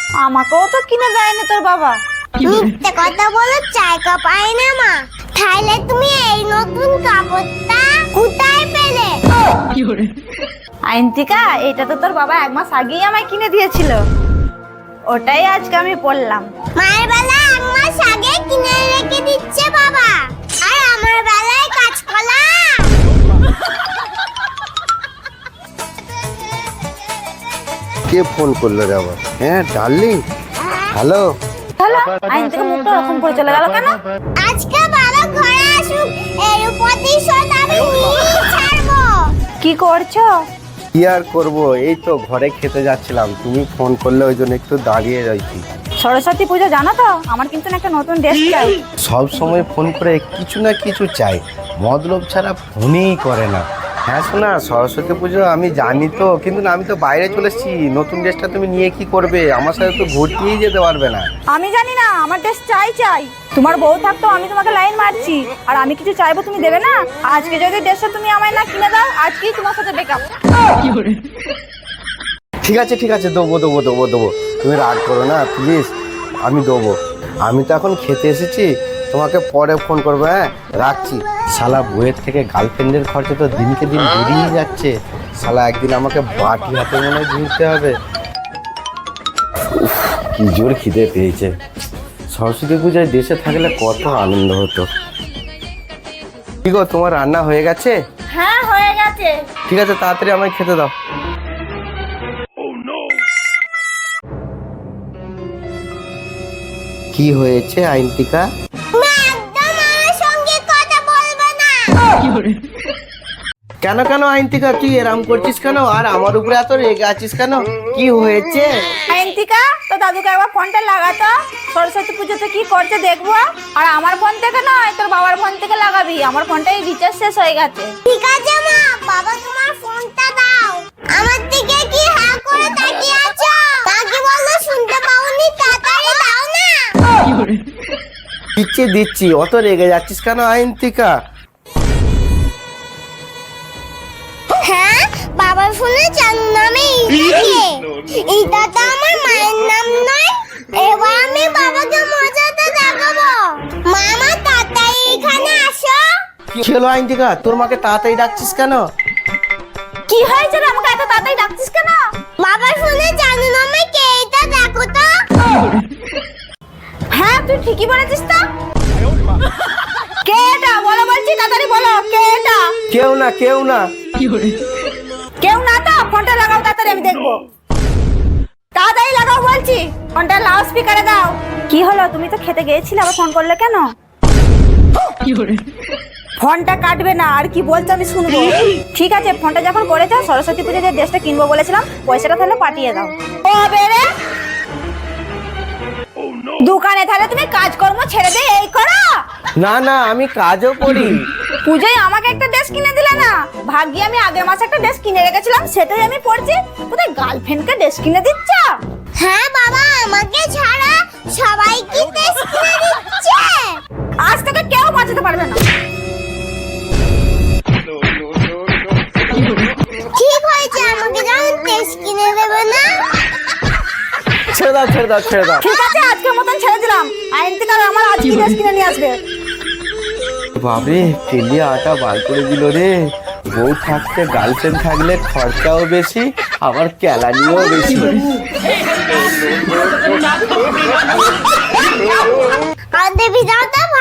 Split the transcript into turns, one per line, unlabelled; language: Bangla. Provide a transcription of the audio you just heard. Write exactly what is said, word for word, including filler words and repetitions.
আমাকেও তো কিনে দেয়নি তোর বাবা।
মিথ্যে কথা বলো, চায় কাপ আয় না মা। তাহলে তুমি এই নতুন কাপড়টা কোথায় পেলে?
আইনতিকা, এটা তো তোর বাবা এক মাস আগেই আমায় কিনে দিয়েছিল, ওটাই আজকে আমি পরলাম।
মায়ের বেলায় এক মাস আগে কিনে রেখে দিচ্ছে বাবা, আর আমার বেলায় কাঁচকলা।
কে ফোন করলো রে আবার? হ্যাঁ ডার্লিং, হ্যালো।
হ্যালো, আইনতিকা মুখটা ওরকম করে চলে গেল কেন?
আজকে বাবা ঘরে আসুক, এর প্রতিশোধ আমি নিয়েই ছাড়বো।
কি করছো?
কি আর করবো, এই তো ঘরে খেতে যাচ্ছিলাম, তুমি ফোন করলে ওই জন্য একটু দাঁড়িয়ে রয়েছি।
সরস্বতী পুজো জানো তো, আমার কিন্তু না একটা নতুন ড্রেস চাই।
সব সময় ফোন করে কিছু না কিছু চাই, মতলব ছাড়া ফোনই করে না। হ্যাঁ শোনা, সরস্বতী পুজো আমি জানি তো, কিন্তু না আমি তো বাইরে চলে এসেছি, নতুন ড্রেসটা তুমি নিয়ে কি করবে? আমার সাথে তো ঘুরতেই যেতে পারবে না।
আমি জানি না, আমার ড্রেস চাই চাই। তোমার বউ থাকতো আমি তোমাকে লাইন মারছি, আর আমি কিছু চাইবো তুমি দেবে না? আজকে যদি ড্রেসটা তুমি আমায় না কিনে দাও, আজকেই তোমার সাথে ব্রেকআপ।
ঠিক আছে ঠিক আছে, দেবো দেবো দেবো দেবো, তুমি রাগ করো না প্লিজ, আমি দেবো। আমি তো এখন খেতে এসেছি, তোমাকে পরে ফোন করবো। হ্যাঁ রাখছি। শালা বইয়ের থেকে গার্লফ্রেন্ডের খরচা তো দিনকে দিন বেরিয়ে যাচ্ছে, শালা একদিন আমাকে বাটি হাতে মনে হয় ঝুলতে হবে। উফ, কি জোর খিদে পেয়েছে। সরস্বতী পূজায় দেশে থাকলে কত আনন্দ হতো। কি গো, তোমার রান্না হয়ে গেছে?
হ্যাঁ হয়ে গেছে।
ঠিক আছে, তাড়াতাড়ি আমায় খেতে দাও। কি হয়েছে আইনতিকা?
তুমি একদম আমার সঙ্গে কথা বলবে না।
কেন কেন আইনতিকা, তুই এরম করছিস কেন? আর আমার উপরে এত রেগে আছিস কেন? কি হয়েছে?
আইনতিকা, তো দাদুকে একবার ফোনটা লাগাতো, সরস্বতী পুজোতে কি করছে দেখবো। আর আমার ফোন থেকে নয়, তোর বাবার ফোন থেকে লাগাবি, আমার ফোনটাই রিচার্জ শেষ হয়ে গেছে।
ঠিক আছে মা, বাবা তোমার ফোনটা দাও। আমার দিকে কি হ্যাঁ করে তাকিয়ে আছো? কাকি বললো শুনতে পাওনি, তাড়াতাড়ি দাও না।
দিচ্ছি দিচ্ছি, অত রেগে যাচ্ছিস কেন আইনতিকা?
হ্যাঁ, বাবার ফোনে চার নামে ইটাকে। এটা তো আমার মায়ের নাম নয়। এবার আমি বাবাকে মজাতে দেখাবো। মামা তাড়াতাড়ি এখানে আসো।
কি হলো আইনতিকা, তোর মাকে তাড়াতাড়ি ডাকছিস কেন?
কি হয়েছে রে, আমাকে এত তাড়াতাড়ি ডাকছিস কেন?
বাবার ফোনে চার নামে কে এটা দেখো তো।
হ্যাঁ তুই ঠিকই বলেছিস তো। কে এটা বলো বলছি, তাড়াতাড়ি বলো কে এটা।
কেউ না কেউ না।
কেউ না তো, ফোনটা লাগাও তাড়াতাড়ি, আমি দেখবো। তাড়াতাড়ি লাগাও বলছি, ফোনটা লাউড স্পিকারে দাও। কি হলো, তুমি তো খেতে গিয়েছিলে, আবার ফোন করলে কেন? ফোনটা কাটবে না, আর কি বলছো আমি শুনবো। ঠিক আছে, ফোনটা যখন করেছো, সরস্বতী পুজোর যে ড্রেসটা কিনবো বলেছিলাম, পয়সাটা তাহলে পাঠিয়ে দাও। ও বেরে দোকানে তাহলে তুমি কাজকর্ম ছেড়ে দিয়ে এই করো?
না না, আমি কাজও করি।
পূজায় আমাকে একটা ড্রেস কিনে দিলে না, ভাগ্যি আমি আগের মাসে একটা ড্রেস কিনে রেখেছিলাম, সেটাই আমি পরছি। কোথায় গার্লফ্রেন্ডকে ড্রেস কিনে দিচ্ছ?
হ্যাঁ বাবা, আমাকে ছাড়া সবাইকে ড্রেস কিনে দিচ্ছে।
আজ থেকে কেউ বাঁচাতে পারবে না।
ঠিক হয়েছে, আমাকে যখন ড্রেস কিনে দেবে না।
ছেড়ে দাও ছেড়ে দাও ছেড়ে দাও।
ঠিক আছে, আজকের মতন ছেড়ে দিলাম। আইন থেকে আমার আজকে ড্রেস কিনে নিয়ে আসবে।
বাবরে, তেলিয়া আটা বার করে দিল রে। বউ থাকতে গার্লফ্রেন্ড থাকলে খরচাও বেশি, আবার ক্যালানিও বেশি।
আর দেবী দাও তো।